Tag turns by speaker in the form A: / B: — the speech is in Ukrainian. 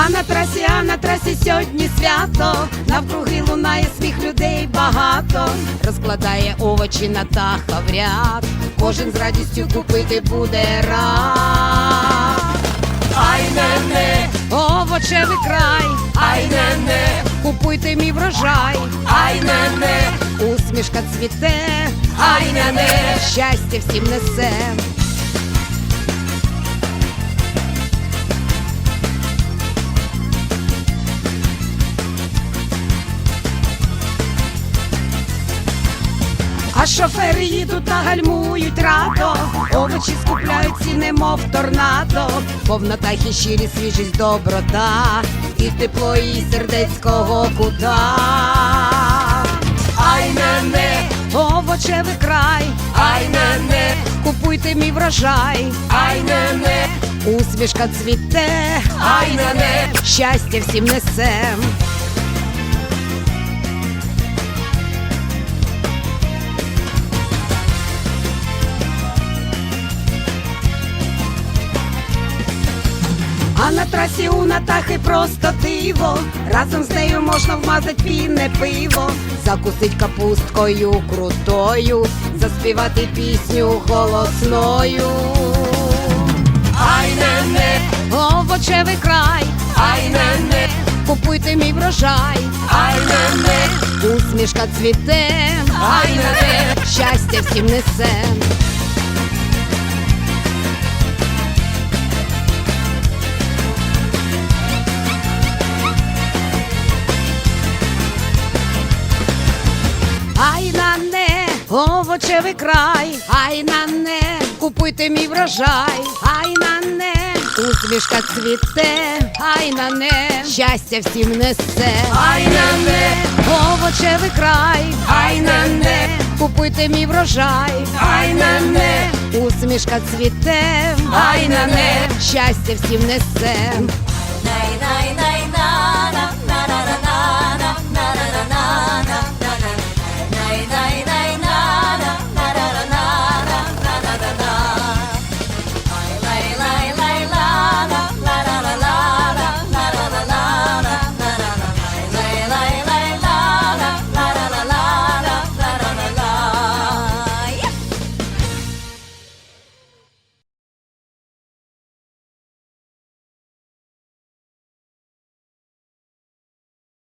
A: А на трасі сьогодні свято, навкруги лунає сміх, людей багато. Розкладає овочі на таха в ряд, кожен з радістю купити буде рад.
B: Ай не,
A: овочевий край,
B: ай не,
A: купуйте мій врожай,
B: ай не,
A: усмішка цвіте,
B: ай не,
A: щастя всім несе. А шофери їдуть та гальмують радо, овочі скупляються, немов торнадо. Повнота і щирість, свіжість, доброта, і тепло її сердецького кута.
B: ай не,
A: Овочевий край,
B: ай не,
A: купуйте мій врожай,
B: ай не,
A: усмішка цвіте,
B: ай не,
A: щастя всім несе. А на трасі у Натахи просто диво, разом з нею можна вмазать пінне пиво, закусить капусткою крутою, заспівати пісню голосною.
B: ай не,
A: Овочевий край,
B: ай не,
A: купуйте мій врожай,
B: ай не,
A: усмішка цвіте,
B: ай не,
A: щастя всім несе. Ай на не, овочевий край, ай на не, купуйте мій врожай, ай на не, усмішка цвіте, ай на не, щастя всім несе.
B: ай не,
A: Овочевий край,
B: ай не,
A: купуйте мій врожай,
B: ай не,
A: усмішка цвіте,
B: ай не,
A: щастя всім несе.